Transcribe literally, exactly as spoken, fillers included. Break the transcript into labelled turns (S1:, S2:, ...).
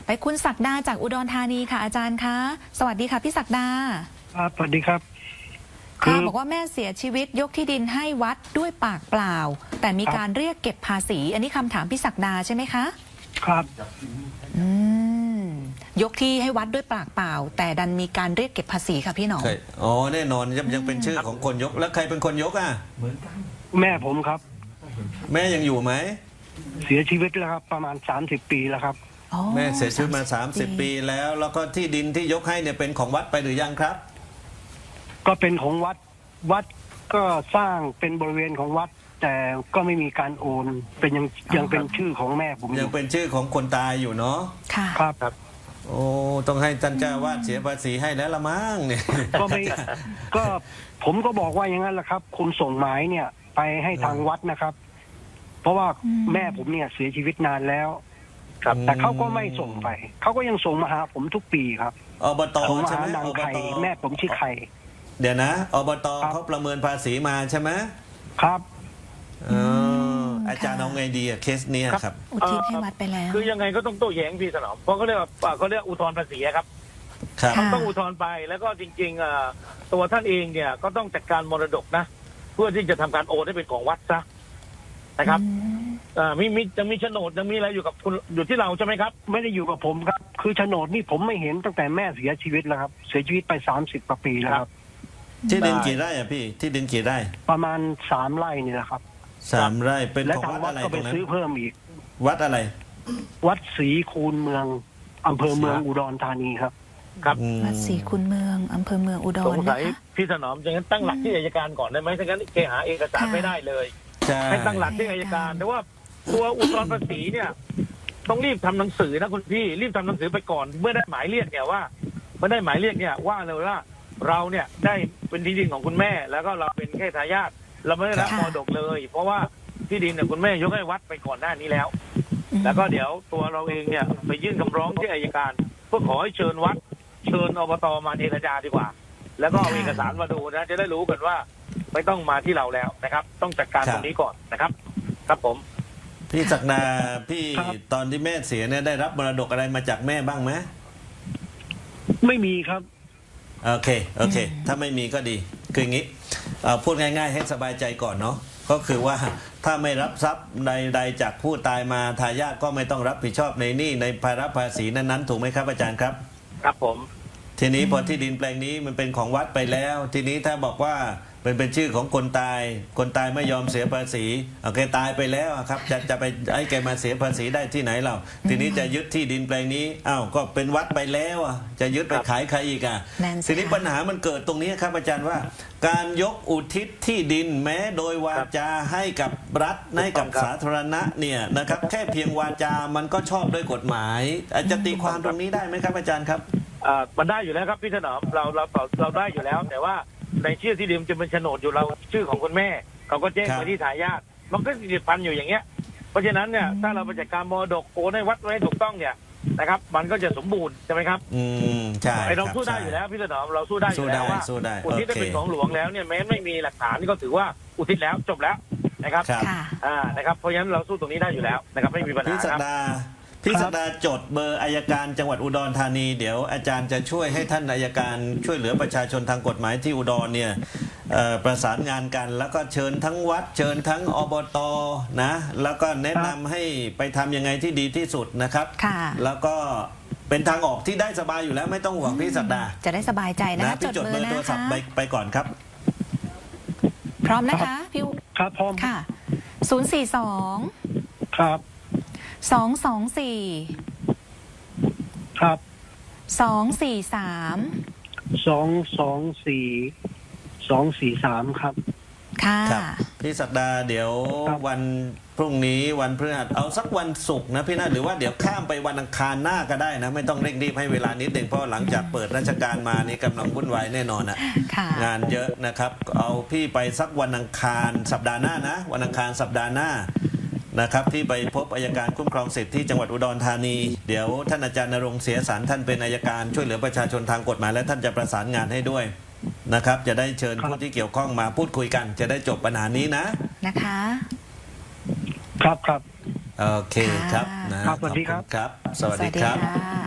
S1: ไปคุณศักดาจากอุดรธานีค่ะอาจารย์คะสวัสดีค่ะพี่ศักดา
S2: ครับสวัสดีครับ
S1: ค่ะบอกว่าแม่เสียชีวิตยกที่ดินให้วัดด้วยปากเปล่าแต่มีการเรียกเก็บภาษีอันนี้คำถามพี่ศักดาใช่ไหมคะ
S2: ครับ
S1: อืมยกที่ให้วัดด้วยปากเปล่าแต่ดันมีการเรียกเก็บภาษีค่ะพี่หนอ
S3: อ๋อแน่นอนยังยังเป็นชื่อของคนยกแล้วใครเป็นคนยกอ่ะเหมือนกัน
S2: แม่ผมครับ
S3: แม่ยังอยู่ไหม
S2: เสียชีวิตแล้วครับประมาณสามสิบปีแล้วครับ
S3: แม่เสียชีวิตมาสามสิบปีแล้วแล้วก็ที่ดินที่ยกให้เนี่ยเป็นของวัดไปหรือยังครับ
S2: ก็เป็นของวัดวัดก็สร้างเป็นบริเวณของวัดแต่ก็ไม่มีการโอนเป็นยังยังเป็นชื่อของแม่ผม
S3: ยังเป็นชื่อของคนตายอยู่เนาะ
S1: ค่ะ
S2: ครับครับ
S3: โอ้ต้องให้ท่านเจ้าวาดเสียภาษีให้แล้วละมั้งเนี่ย
S2: ก็ไม่ก็ผมก็บอกว่าอย่างนั้นแหละครับคุณส่งหมายเนี่ยไปให้ทางวัดนะครับเพราะว่าแม่ผมเนี่ยเสียชีวิตนานแล้วครับแต่เขาก็ไม่ส่งไปเขาก็ยังส่งมาหาผมทุกปีครับ
S3: อบต
S2: ส่งมา
S3: ใช่ไหม
S2: หานางไข่แม่ผมชื่อไข่
S3: เดี๋ยวนะอบตเขาประเมินภาษีมาใช่ไหม
S2: ครับ
S3: อาจารย์เอาไงดีอะเคสนี้ครับ
S1: อุทิศให้วัดไปแล้ว
S4: คือยังไงก็ต้องโต้แย้งพี่สนอมเพราะเขาเรียกว่าเขาเรียกอุทธรณ์ภาษีครับต้องอุทธรณ์ไปแล้วก็จริงๆตัวท่านเองเนี่ยก็ต้องจัดการมรดกนะเพื่อที่จะทำการโอนให้เป็นของวัดซะนะครับมีมีจะมีโฉนดยังมีอะไรอยู่กับคุณอยู่ที่เราใช่ไหมครับ
S2: ไม่ได้อยู่กับผมครับคือโฉนดนี่ผมไม่เห็นตั้งแต่แม่เสียชีวิตแล้วครับเสียชีวิตไปสามสิบกว่าปีแล้วครับ
S3: ที่ดินกี่ไร่อะพี่ที่ดินกี่ไร่
S2: ประมาณสามไร่นี่แหละครับ
S3: สามไร่เป็นของวัดอะไร
S2: ก็ไปซื้อเพิ่มอีก
S3: วัดอะไร
S2: วัดศรีคูนเมืองอำเภอเมืองอุดรธานีครับ
S4: ครับ
S1: วัดศรีคูนเมืองอำเภอเมืองอุดร
S4: สงสัยพี่ถนอมจะงั้นตั้งหลักที่อัยการก่อนได้ไหมถ้างั้นแกหาเอกสารไม่ได้เลยให้ตั้งหลักที่อัยการแต่ว่าตัวอุทธรณ์ภาษีเนี่ยต้องรีบทำหนังสือนะคุณพี่รีบทำหนังสือไปก่อนเมื่อได้หมายเรียกเนี่ยว่าเมื่อได้หมายเรียกเนี่ยว่าเลยว่าเราเนี่ยได้เป็นที่ดินของคุณแม่แล้วก็เราเป็นแค่ทายาทเราไม่ได้รับมรดกเลยเพราะว่าที่ดินเนี่ยคุณแม่ยกให้วัดไปก่อนหน้านี้แล้วแล้วก็เดี๋ยวตัวเราเองเนี่ยไปยื่นคำร้องที่อัยการเพื่อขอให้เชิญวัดเชิญอบตมาเจรจาดีกว่าแล้วก็เอาเอกสารมาดูนะจะได้รู้กันว่าไม่ต้องมาที่เราแล้วนะครับต้องจัดการตรงนี้ก่อนนะครับครับผม
S3: พี่ศักดาพี่ตอนที่แม่เสียเนี่ยได้รับมรดกอะไรมาจากแม่บ้างไหม
S2: ไม่มีครับ
S3: โอเคโอเคถ้าไม่มีก็ดีคืออย่างนี้พูดง่ายๆให้สบายใจก่อนเนาะก็คือว่าถ้าไม่รับทรัพย์ใดๆจากผู้ตายมาทายาทก็ไม่ต้องรับผิดชอบในหนี้ในภาระภาษีนั้นๆถูกไหมครับอาจารย์ครับ
S4: ครับผม
S3: ทีนี้พอที่ดินแปลงนี้มันเป็นของวัดไปแล้วทีนี้ถ้าบอกว่าเป็นเป็นชื่อของคนตายคนตายไม่ยอมเสียภาษีเอาแกตายไปแล้วครับจะจะไปให้แกมาเสียภาษีได้ที่ไหนเราทีนี้จะยึดที่ดินแปลงนี้อ้าวก็เป็นวัดไปแล้วอ่ะจะยึดไปขายใครอีกอ่ะทีนี้ปัญหามันเกิดตรงนี้ครับอาจารย์ว่าการยกอุทิศที่ดินแม้โดยวาจาให้กับรัฐให้กับสาธารณะเนี่ยนะครับแค่เพียงวาจามันก็ชอบด้วยกฎหมายจะตีความตรงนี้ได้ไหมครับอาจารย์ครับ
S4: อ่ามันได้อยู่แล้วครับพี่ถนอมเราเราเราได้อยู่แล้วแต่ว่าในชื่อที่ดินจะเป็นโฉนดอยู่เราชื่อของคุณแม่เขาก็แจ้งไปที่ทายาทมันก็ติดพันอยู่อย่างเงี้ยเพราะฉะนั้นเนี่ยถ้าเราไปจัดการมรดกโอนให้วัดไว้ถูกต้องเนี่ยนะครับมันก็จะสมบูรณ์ใช่ไหมครับ
S3: อืมใช่
S4: ไอเราสู้ได้อยู่แล้วพี่ถนอมเราสู้ได้อยู่แล้วว่าอุทิศเป็นของหลวงแล้วเนี่ยแม้ไม่มีหลักฐานก็ถือว่าอุทิศแล้วจบแล้วนะครับอ่านะครับเพราะฉะนั้นเราสู้ตรงนี้ได้อยู่แล้วนะครับไม่มีปัญหาครับ
S3: พี่ศักดาจดเบอร์อัยการจังหวัดอุดรธานีเดี๋ยวอาจารย์จะช่วยให้ท่านอัยการช่วยเหลือประชาชนทางกฎหมายที่อุดรเนี่ยประสานงานกันแล้วก็เชิญทั้งวัดเชิญทั้งอบตนะแล้วก็แนะนำให้ไปทำยังไงที่ดีที่สุดนะครับแล้วก็เป็นทางออกที่ได้สบายอยู่แล้วไม่ต้องห่วงพี่ศักดา
S1: จะได้สบายใจนะ
S3: พี่จดเบอร์โทรศัพท์ไปไปก่อนครับ
S1: พร้อมนะคะพี่
S2: ครับพร้อม
S1: ค่ะศูนย์สี่สอง
S2: ครับ
S1: สองสองสี่
S2: ครับ
S1: สองสี่สาม
S2: สองสองสี่สองสี่สามครับ
S1: ค่ะ
S3: พี่ศักดาเดี๋ยววันพรุ่งนี้วันพฤหัสเอาสักวันศุกร์นะพี่นะหรือว่าเดี๋ยวข้ามไปวันอังคารหน้าก็ได้นะไม่ต้องเร่งรีบให้เวลานิดเดียวเพราะหลังจากเปิดราชการมานี่กำลังวุ่นวายแน่นอนนะงานเยอะนะครับเอาพี่ไปสักวันอังคารสัปดาห์หน้านะวันอังคารสัปดาห์หน้านะครับที่ไปพบอัยการคุ้มครองสิทธิ์ที่จังหวัดอุดรธานีเดี๋ยวท่านอาจารย์ณรงค์เสียสารท่านเป็นอัยการช่วยเหลือประชาชนทางกฎหมายและท่านจะประสานงานให้ด้วยนะครับจะได้เชิญผู้ที่เกี่ยวข้องมาพูดคุยกันจะได้จบปัญหานี้นะ
S1: นะคะ
S2: ครับครับ
S3: โอเคครับ
S2: นะครับสวัสดีครับ
S3: ครับสวัสดีครับ